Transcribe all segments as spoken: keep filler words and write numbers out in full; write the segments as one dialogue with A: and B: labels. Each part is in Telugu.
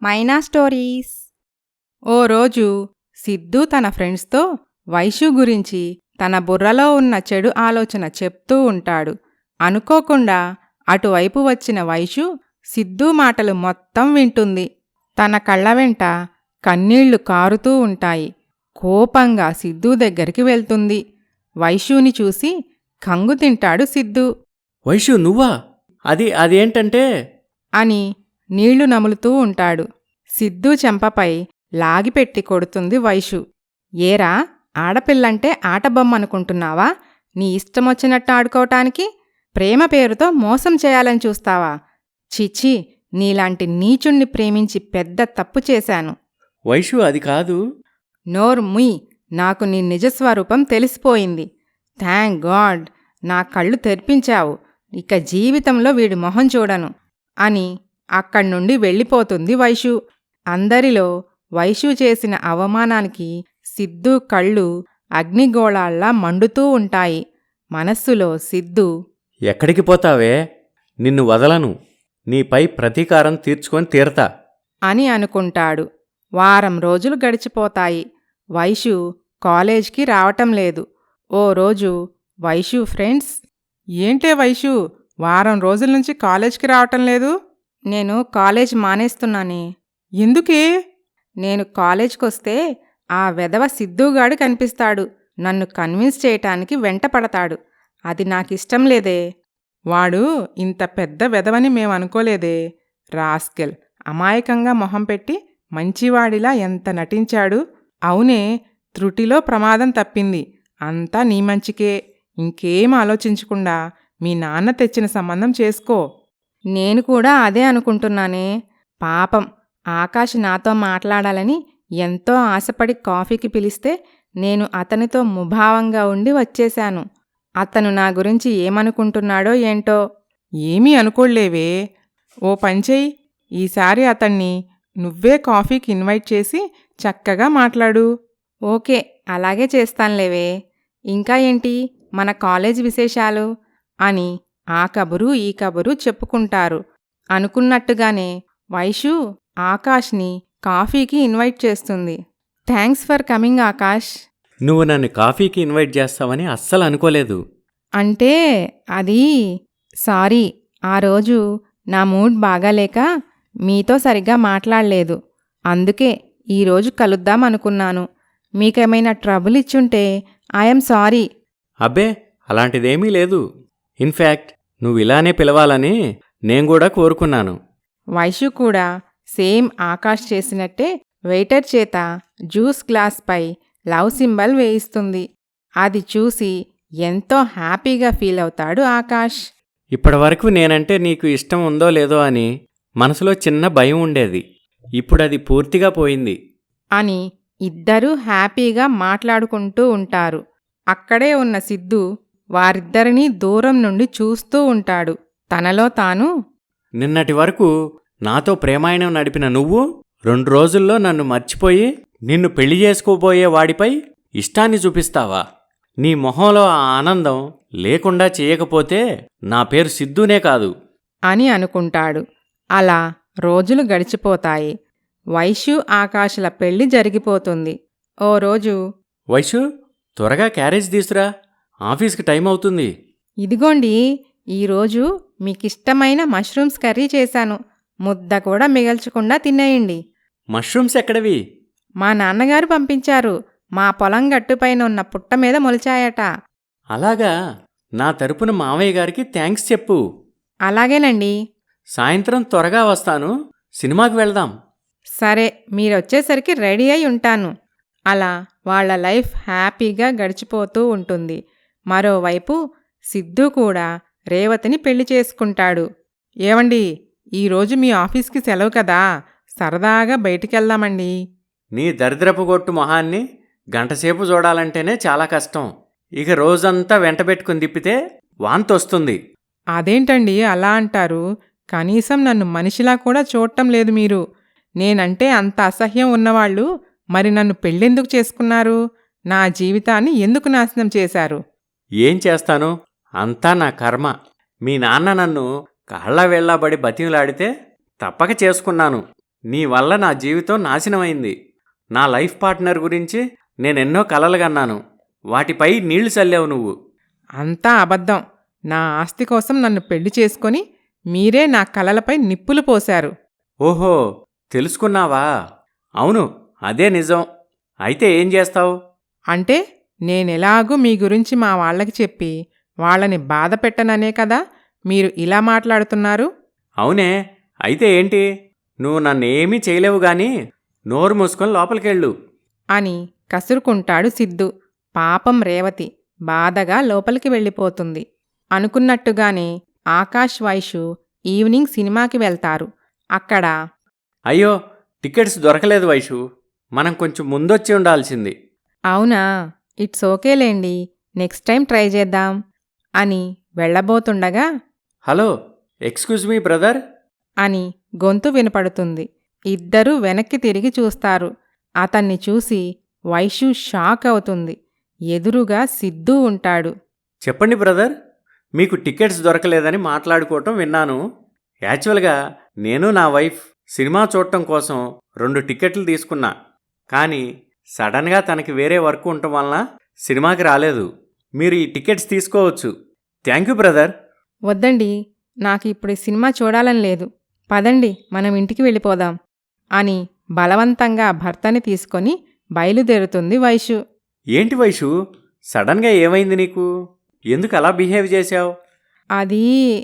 A: మైనా స్టోరీస్. ఓ రోజు సిద్ధూ తన ఫ్రెండ్స్తో వైషు గురించి తన బుర్రలో ఉన్న చెడు ఆలోచన చెప్తూ ఉంటాడు. అనుకోకుండా అటువైపు వచ్చిన వైషు సిద్ధూ మాటలు మొత్తం వింటుంది. తన కళ్ళ వెంట కన్నీళ్లు కారుతూ ఉంటాయి. కోపంగా సిద్ధూ దగ్గరికి వెళ్తుంది. వైషుని చూసి కంగు తింటాడు సిద్ధూ.
B: వైషు నువ్వా? అది అదేంటంటే
A: అని నీళ్లు నములుతూ ఉంటాడు. సిద్ధూ చెంపపై లాగిపెట్టి కొడుతుంది వైషు. ఏరా, ఆడపిల్లంటే ఆటబొమ్మనుకుంటున్నావా? నీ ఇష్టమొచ్చినట్టు ఆడుకోవటానికి ప్రేమ పేరుతో మోసం చేయాలని చూస్తావా? చిచి, నీలాంటి నీచుణ్ణి ప్రేమించి పెద్ద తప్పు చేశాను.
B: వైషు అది కాదు.
A: నోరు ముయ్, నాకు నీ నిజస్వరూపం తెలిసిపోయింది. థ్యాంక్ గాడ్, నా కళ్ళు తెరిపించావు. ఇక జీవితంలో వీడి మొహం చూడను అని అక్కడ్నుండి వెళ్ళిపోతుంది వైషు. అందరిలో వైషు చేసిన అవమానానికి సిద్ధూ కళ్ళు అగ్నిగోళాల్లా మండుతూ ఉంటాయి. మనస్సులో సిద్ధూ,
B: ఎక్కడికి పోతావే? నిన్ను వదలను. నీపై ప్రతీకారం తీర్చుకొని తీరతా
A: అని అనుకుంటాడు. వారం రోజులు గడిచిపోతాయి. వైషు కాలేజ్కి రావటం లేదు. ఓ రోజు వైషు ఫ్రెండ్స్,
C: ఏంటే వైషు, వారం రోజుల నుంచి కాలేజ్కి రావటం లేదు?
A: నేను కాలేజ్ మానేస్తున్నానే.
C: ఎందుకే?
A: నేను కాలేజ్కొస్తే ఆ వెధవ సిద్ధూగాడు కనిపిస్తాడు. నన్ను కన్విన్స్ చేయటానికి వెంటపడతాడు. అది నాకిష్టం లేదే.
C: వాడు ఇంత పెద్ద వెధవని మేమనుకోలేదే. రాస్కెల్, అమాయకంగా మొహం పెట్టి మంచివాడిలా ఎంత నటించాడు. అవునే, త్రుటిలో ప్రమాదం తప్పింది. అంతా నీ మంచికే. ఇంకేం ఆలోచించకుండా మీ నాన్న తెచ్చిన సంబంధం చేసుకో.
A: నేను కూడా అదే అనుకుంటున్నానే. పాపం, ఆకాష్ నాతో మాట్లాడాలని ఎంతో ఆశపడి కాఫీకి పిలిస్తే నేను అతనితో ముభావంగా ఉండి వచ్చేశాను. అతను నా గురించి ఏమనుకుంటున్నాడో ఏంటో.
C: ఏమీ అనుకోలేవే. ఓ పంచెయ్, ఈసారి అతన్ని నువ్వే కాఫీకి ఇన్వైట్ చేసి చక్కగా మాట్లాడు.
A: ఓకే, అలాగే చేస్తాన్లేవే. ఇంకా ఏంటి మన కాలేజ్ విశేషాలు అని ఆ కబురు ఈ కబురు చెప్పుకుంటారు. అనుకున్నట్టుగానే వైషు ఆకాష్ని కాఫీకి ఇన్వైట్ చేస్తుంది. Thanks for coming Akash.
B: నువ్వు నన్ను కాఫీకి ఇన్వైట్ చేస్తావని అస్సలు అనుకోలేదు.
A: అంటే అది, సారీ, ఆ రోజు నా మూడ్ బాగాలేక మీతో సరిగ్గా మాట్లాడలేదు. అందుకే ఈరోజు కలుద్దాం అనుకున్నాను. మీకేమైనా ట్రబుల్ ఇచ్చుంటే ఐఎమ్ సారీ.
B: అబ్బే, అలాంటిదేమీ లేదు. ఇన్ఫ్యాక్ట్ నువ్వు ఇలానే పిలవాలని నేను కూడా కోరుకున్నాను.
A: వైషు కూడా సేమ్ ఆకాష్ చేసినట్టే వెయిటర్ చేత జ్యూస్ గ్లాస్పై లవ్ సింబల్ వేయిస్తుంది. అది చూసి ఎంతో హ్యాపీగా ఫీల్ అవుతాడు ఆకాష్.
B: ఇప్పటివరకు నేనంటే నీకు ఇష్టం ఉందో లేదో అని మనసులో చిన్న భయం ఉండేది. ఇప్పుడది పూర్తిగా పోయింది
A: అని ఇద్దరూ హ్యాపీగా మాట్లాడుకుంటూ ఉంటారు. అక్కడే ఉన్న సిద్ధూ వారిద్దరినీ దూరం నుండి చూస్తూ ఉంటాడు. తనలో తాను,
B: నిన్నటి వరకు నాతో ప్రేమాయణం నడిపిన నువ్వు రెండు రోజుల్లో నన్ను మర్చిపోయి నిన్ను పెళ్లి చేసుకోబోయే వాడిపై ఇష్టాన్ని చూపిస్తావా? నీ మొహంలో ఆ ఆనందం లేకుండా చేయకపోతే నా పేరు సిద్ధూనే కాదు
A: అని అనుకుంటాడు. అలా రోజులు గడిచిపోతాయి. వైషు ఆకాశల పెళ్లి జరిగిపోతుంది. ఓ రోజు,
B: వైషు, త్వరగా క్యారేజ్ తీసురా, ఆఫీస్కి టైం అవుతుంది.
A: ఇదిగోండి, ఈరోజు మీకిష్టమైన మష్రూమ్స్ కర్రీ చేశాను. ముద్ద కూడా మిగల్చకుండా తినేయండి.
B: మష్రూమ్స్ ఎక్కడవి?
A: మా నాన్నగారు పంపించారు. మా పొలం గట్టుపైన ఉన్న పుట్ట మీద మొలిచాయట.
B: అలాగా? నా తరపున మావయ్య గారికి థ్యాంక్స్ చెప్పు.
A: అలాగేనండి.
B: సాయంత్రం త్వరగా వస్తాను, సినిమాకి వెళ్దాం.
A: సరే, మీరొచ్చేసరికి రెడీ అయి ఉంటాను. అలా వాళ్ల లైఫ్ హ్యాపీగా గడిచిపోతూ ఉంటుంది. మరోవైపు సిద్ధూ కూడా రేవతిని పెళ్లి చేసుకుంటాడు.
C: ఏవండి, ఈరోజు మీ ఆఫీస్కి సెలవు కదా, సరదాగా బయటికెళ్దామండి.
B: నీ దరిద్రపు గొట్టు మొహాన్ని గంటసేపు చూడాలంటేనే చాలా కష్టం. ఇక రోజంతా వెంటబెట్టుకుని తిప్పితే వాంతొస్తుంది.
C: అదేంటండి అలా అంటారు? కనీసం నన్ను మనిషిలా కూడా చూడటం లేదు మీరు. నేనంటే అంత అసహ్యం ఉన్నవాళ్ళు మరి నన్ను పెళ్ళెందుకు చేసుకున్నారు? నా జీవితాన్ని ఎందుకు నాశనం చేశారు?
B: ఏం చేస్తాను, అంతా నా కర్మ. మీ నాన్న నన్ను కాళ్ళ వేళ్లాబడి బతిమలాడితే తప్పక చేసుకున్నాను. నీ వల్ల నా జీవితం నాశనమైంది. నా లైఫ్ పార్ట్నర్ గురించి నేనెన్నో కలలు కన్నాను. వాటిపై నీళ్లు చల్లావు నువ్వు.
C: అంతా అబద్ధం. నా ఆస్తి కోసం నన్ను పెళ్లి చేసుకొని మీరే నా కలలపై నిప్పులు పోశారు.
B: ఓహో, తెలుసుకున్నావా? అవును, అదే నిజం. అయితే ఏం చేస్తావు?
C: అంటే నేనెలాగూ మీ గురించి మా వాళ్ళకి చెప్పి వాళ్ళని బాధ పెట్టననే కదా మీరు ఇలా మాట్లాడుతున్నారు?
B: అవునే, అయితే ఏంటి? నువ్వు నన్నేమీ చేయలేవు గాని నోరు మూసుకొని లోపలికెళ్ళు
A: అని కసురుకుంటాడు సిద్ధు. పాపం రేవతి బాధగా లోపలికి వెళ్ళిపోతుంది. అనుకున్నట్టుగానే ఆకాష్ వైషు ఈవినింగ్ సినిమాకి వెళ్తారు. అక్కడ
B: అయ్యో, టికెట్స్ దొరకలేదు వైషు. మనం కొంచెం ముందొచ్చి ఉండాల్సింది.
A: అవునా, ఇట్స్ ఓకేలేండి, నెక్స్ట్ టైం ట్రై చేద్దాం అని వెళ్ళబోతుండగా
B: హలో, ఎక్స్క్యూజ్ మీ బ్రదర్
A: అని గొంతు వినపడుతుంది. ఇద్దరూ వెనక్కి తిరిగి చూస్తారు. అతన్ని చూసి వైషు షాక్ అవుతుంది. ఎదురుగా సిద్ధూ ఉంటాడు.
B: చెప్పండి బ్రదర్, మీకు టికెట్స్ దొరకలేదని మాట్లాడుకోవటం విన్నాను. యాక్చువల్గా నేను నా వైఫ్ సినిమా చూడటం కోసం రెండు టికెట్లు తీసుకున్నా. కానీ సడన్గా తనకి వేరే వర్క్ ఉండటం వలన సినిమాకి రాలేదు. మీరు ఈ టికెట్స్ తీసుకోవచ్చు. Thank you brother.
A: వద్దండి, నాకు ఇప్పుడు ఈ సినిమా చూడాలని లేదు. పదండి, మనం ఇంటికి వెళ్ళిపోదాం అని బలవంతంగా భర్తని తీసుకొని బయలుదేరుతుంది వైషు.
B: ఏంటి వైషు, సడన్గా ఏమైంది నీకు? ఎందుకు అలా బిహేవ్ చేశావు?
A: అది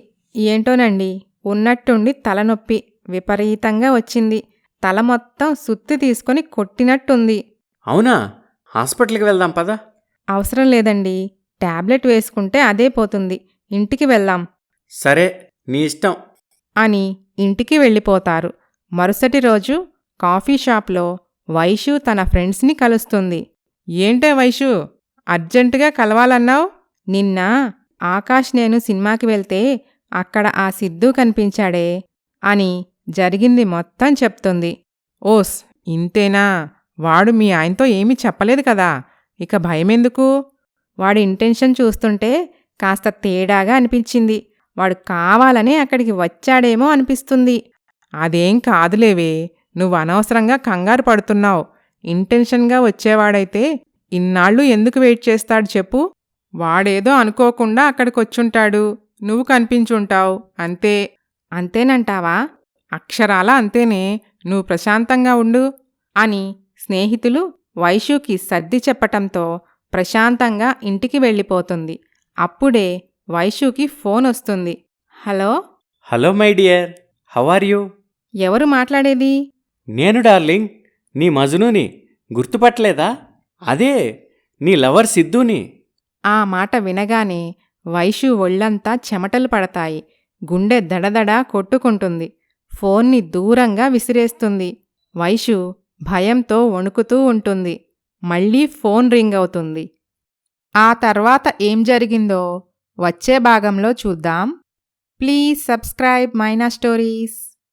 A: ఏంటోనండి, ఉన్నట్టుండి తలనొప్పి విపరీతంగా వచ్చింది. తల మొత్తం సుత్తి తీసుకొని కొట్టినట్టుంది.
B: అవునా, హాస్పిటల్కి వెళ్దాం పదా.
A: అవసరం లేదండి, టాబ్లెట్ వేసుకుంటే అదే పోతుంది. ఇంటికి వెళ్దాం
B: సరే, నీ ఇష్టం
A: అని ఇంటికి వెళ్ళిపోతారు. మరుసటి రోజు కాఫీ షాప్లో వైషు తన ఫ్రెండ్స్ని కలుస్తుంది.
C: ఏంటే వైషు, అర్జెంటుగా కలవాలన్నావు?
A: నిన్న ఆకాష్ నేను సినిమాకి వెళ్తే అక్కడ ఆ సిద్ధూ కనిపించాడే అని జరిగింది మొత్తం చెప్తుంది.
C: ఓస్, ఇంతేనా? వాడు మీ ఆయనతో ఏమీ చెప్పలేదు కదా, ఇక భయమెందుకు?
A: వాడి ఇంటెన్షన్ చూస్తుంటే కాస్త తేడాగా అనిపించింది. వాడు కావాలనే అక్కడికి వచ్చాడేమో అనిపిస్తుంది.
C: అదేం కాదులేవే, నువ్వు అనవసరంగా కంగారు పడుతున్నావు. ఇంటెన్షన్గా వచ్చేవాడైతే ఇన్నాళ్ళు ఎందుకు వెయిట్ చేస్తాడు చెప్పు? వాడేదో అనుకోకుండా అక్కడికొచ్చుంటాడు, నువ్వు కనిపించుంటావు, అంతే.
A: అంతేనంటావా?
C: అక్షరాలా అంతేనే. నువ్వు ప్రశాంతంగా ఉండు
A: అని స్నేహితులు వైషుకి సర్ది చెప్పటంతో ప్రశాంతంగా ఇంటికి వెళ్ళిపోతుంది. అప్పుడే వైషుకి ఫోన్ వస్తుంది. Hello
B: hello my dear, how are you?
A: ఎవరు మాట్లాడేది?
B: నేను డార్లింగ్, నీ మజునుని. గుర్తుపట్టలేదా? అదే నీ లవర్ సిద్ధుని.
A: ఆ మాట వినగానే వైషు ఒళ్ళంతా చెమటలు పడతాయి. గుండె దడదడా కొట్టుకుంటుంది. ఫోన్ని దూరంగా విసిరేస్తుంది. వైషు భయంతో వణుకుతూ ఉంటుంది. మళ్ళీ ఫోన్ రింగ్ అవుతుంది. ఆ తర్వాత ఏం జరిగిందో వచ్చే భాగంలో చూద్దాం. Please subscribe Maina stories.